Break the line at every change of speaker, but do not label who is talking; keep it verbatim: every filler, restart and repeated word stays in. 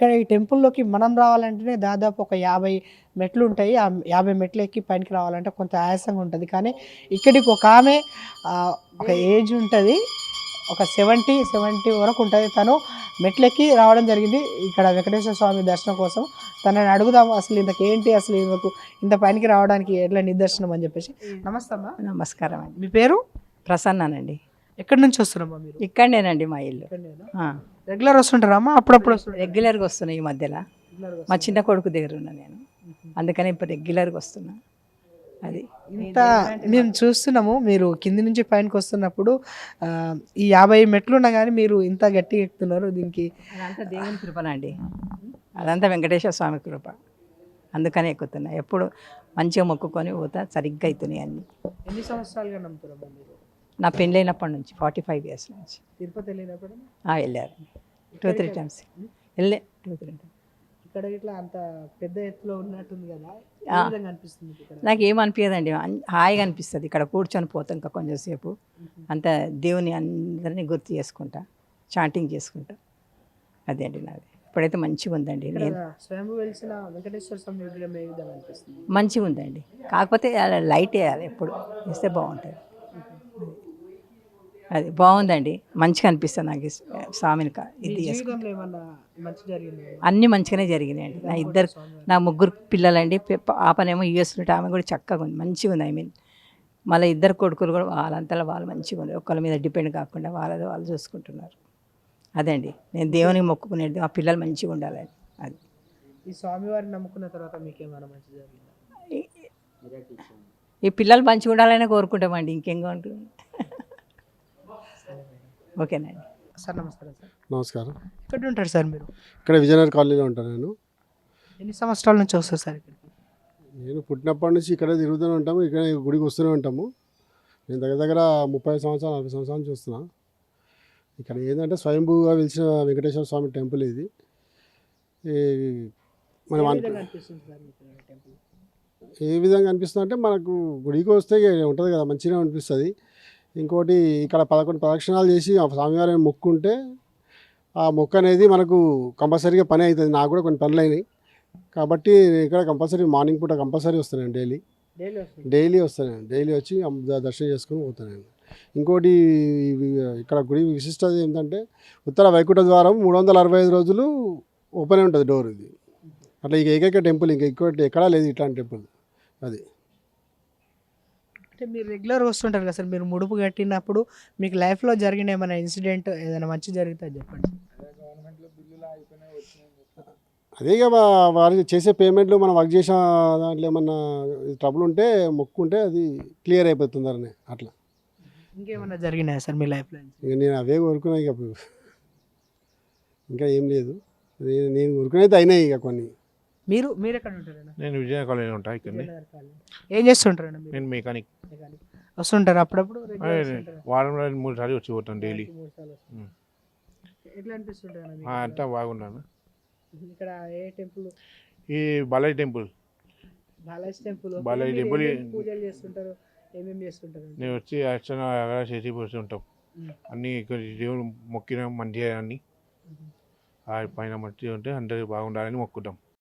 ఇక్కడ ఈ టెంపుల్లోకి మనం రావాలంటేనే దాదాపు ఒక యాభై మెట్లు ఉంటాయి. ఆ యాభై మెట్లు ఎక్కి పైకి రావాలంటే కొంత ఆయాసంగా ఉంటుంది. కానీ ఇక్కడికి ఒక ఆమె ఒక ఏజ్ ఉంటుంది, ఒక సెవెంటీ సెవెంటీ వరకు ఉంటుంది. తను మెట్లెక్కి రావడం జరిగింది ఇక్కడ వెంకటేశ్వర స్వామి దర్శనం కోసం. తనని అడుగుదాము అసలు ఇంతకు ఏంటి, అసలు ఇంతకు ఇంత పైకి రావడానికి ఎట్లా నిదర్శనం అని చెప్పేసి. నమస్తే అమ్మా.
నమస్కారం అండి.
మీ పేరు?
ప్రసన్నానండి.
ఎక్కడి నుంచి వస్తున్నామ్మా మీరు?
ఇక్కడనేనండి మా ఇల్లు.
రెగ్యులర్ వస్తుంటారా అమ్మా? అప్పుడప్పుడు
రెగ్యులర్గా వస్తున్నాయి ఈ మధ్యలో. మా చిన్న కొడుకు దగ్గర ఉన్నా నేను, అందుకని ఇప్పుడు రెగ్యులర్గా వస్తున్నా. అది
ఇంత మేము చూస్తున్నాము. మీరు కింది నుంచి పైనకి వస్తున్నప్పుడు ఈ యాభై మెట్లు ఉన్నా కానీ మీరు ఇంత గట్టిగా ఎక్కుతున్నారు. దీనికి
అదంతా దేవుని కృపనండి, అదంతా వెంకటేశ్వర స్వామి కృప, అందుకనే ఎక్కుతున్నా. ఎప్పుడు మంచిగా మొక్కుకొని పోతా, సరిగ్గా అవుతున్నాయి అన్నీ.
ఎన్ని సంవత్సరాలుగా నమ్ముతున్నారా మీరు?
నా పెళ్ళైనప్పటి నుంచి ఫార్టీ ఫైవ్ ఇయర్స్ నుంచి.
తిరుపతి వెళ్ళినప్పుడు
వెళ్ళారు టూ త్రీ టైమ్స్ వెళ్ళే టూ త్రీ టైమ్స్.
ఇక్కడ ఇట్లా అంత పెద్ద ఎత్తులో ఉన్నట్టుంది కదా, అనిపిస్తుంది?
నాకు ఏమనిపించదండి, హాయిగా అనిపిస్తుంది. ఇక్కడ కూర్చొని పోతాం ఇంకా కొంచెంసేపు, అంత దేవుని అందరినీ గుర్తు చేసుకుంటా, చాంటింగ్ చేసుకుంటా. అదే అండి నాది. ఇప్పుడైతే మంచిగా ఉందండి. నేను
స్వయంభూ వెలిసిన వెంకటేశ్వర స్వామి విగ్రహం ఏ విధంగా అనిపిస్తుంది?
మంచిగా ఉందండి, కాకపోతే లైట్ వేయాలి, ఎప్పుడు వేస్తే బాగుంటుంది. అది బాగుందండి, మంచిగా అనిపిస్తుంది నాకు స్వామిని. ఇది అన్నీ మంచిగానే జరిగినాయండి. నా ఇద్దరు నా ముగ్గురు పిల్లలండి. పాపనేమో యూఎస్ ఉంటే ఆమె కూడా చక్కగా ఉంది, మంచిగా ఉంది. ఐ మీన్ మళ్ళీ ఇద్దరు కొడుకులు కూడా వాళ్ళంతలో వాళ్ళు మంచిగా ఉంది, ఒకళ్ళ మీద డిపెండ్ కాకుండా వాళ్ళది వాళ్ళు చూసుకుంటున్నారు. అదే అండి నేను దేవునికి మొక్కుకునేది, ఆ పిల్లలు మంచిగా ఉండాలని. అది
ఈ స్వామివారిని నమ్ముకున్న తర్వాత మీకేమైనా మంచి జరిగిందా?
ఈ పిల్లలు మంచిగా ఉండాలని కోరుకుంటామండి, ఇంకేం ఉంటుంది. ఓకేనండి
సార్. నమస్కారం సార్.
నమస్కారం.
ఎక్కడ ఉంటారు సార్ మీరు?
ఇక్కడ విజయనగర్ కాలనీలో ఉంటాను నేను.
ఎన్ని సంవత్సరాల నుంచి వస్తారు సార్ ఇక్కడికి?
నేను పుట్టినప్పటి నుంచి ఇక్కడే తిరుగుతూనే ఉంటాము, ఇక్కడ గుడికి వస్తూనే ఉంటాము. నేను దగ్గర దగ్గర ముప్పై సంవత్సరాలు నలభై సంవత్సరాల నుంచి వస్తున్నా. ఇక్కడ ఏంటంటే స్వయంభూగా వెలిసిన వెంకటేశ్వర స్వామి టెంపుల్ ఇది. మనం ఏ విధంగా అనిపిస్తుంది అంటే, మనకు గుడికి వస్తే ఉంటుంది కదా, మంచిగా అనిపిస్తుంది. ఇంకోటి ఇక్కడ పదకొండు ప్రదక్షిణాలు చేసి ఆ స్వామివారిని మొక్కుంటే ఆ మొక్క అనేది మనకు కంపల్సరీగా పని అవుతుంది. నాకు కూడా కొన్ని పనులు అయినాయి కాబట్టి ఇక్కడ కంపల్సరీ మార్నింగ్ పూట కంపల్సరీ వస్తాను. డైలీ డైలీ వస్తాను డైలీ వచ్చి దర్శనం చేసుకుని పోతాను. ఇంకోటి ఇక్కడ గుడి విశిష్టత ఏంటంటే, ఉత్తర వైకుంఠ ద్వారం మూడు వందల అరవై ఐదు రోజులు ఓపెన్ ఉంటుంది డోర్. ఇది అట్లా ఇక ఏకైక టెంపుల్, ఇంకా ఇంకోటి ఎక్కడా లేదు ఇట్లాంటి టెంపుల్. అది
అంటే మీరు రెగ్యులర్ వస్తుంటారు కదా సార్, మీరు ముడుపు కట్టినప్పుడు మీకు లైఫ్లో జరిగిన ఏమైనా ఇన్సిడెంట్ ఏదైనా మంచి జరిగితే చెప్పండి.
అదే ఇక వారు చేసే పేమెంట్లు మనం వర్క్ చేసిన దాంట్లో ఏమన్నా ట్రబుల్ ఉంటే మొక్కుంటే అది క్లియర్ అయిపోతుంది అని. అట్లా
ఇంకేమన్నా జరిగినాయా సార్ మీ లైఫ్లో?
ఇక నేను అవే కోరుకున్నా, ఇక ఇంకా ఏం లేదు. నేను కోరుకునేది అయినాయి ఇక కొన్ని.
మీరు మీరు ఎక్కడ ఉంటారు?
నేను విజయనగర్ కాలనీలో ఉంటాను. ఇక్కడ
ఏం చేస్తుంటారు?
నేను మెకానిక్.
వస్తుంటారు అప్పుడప్పుడు?
వారంలో మూడు సార్లు వచ్చి పోతాను డైలీ.
ఎట్లా అనిపిస్తుంటారు?
అంతా బాగున్నాను.
ఇక్కడ ఏ టెంపుల్?
ఈ Balaji temple.
Balaji temple
Balaji temple
పూజలు చేస్తుంటారు, ఏమేమి చేస్తుంటారు?
నేను వచ్చి అర్చన చేసి పోతుంటాం. అన్నీ ఇక్కడ దేవుడు మొక్కిన మంచిగా అన్నీ పైన మంచిగా ఉంటే అందరూ బాగుండాలని మొక్కుతాం.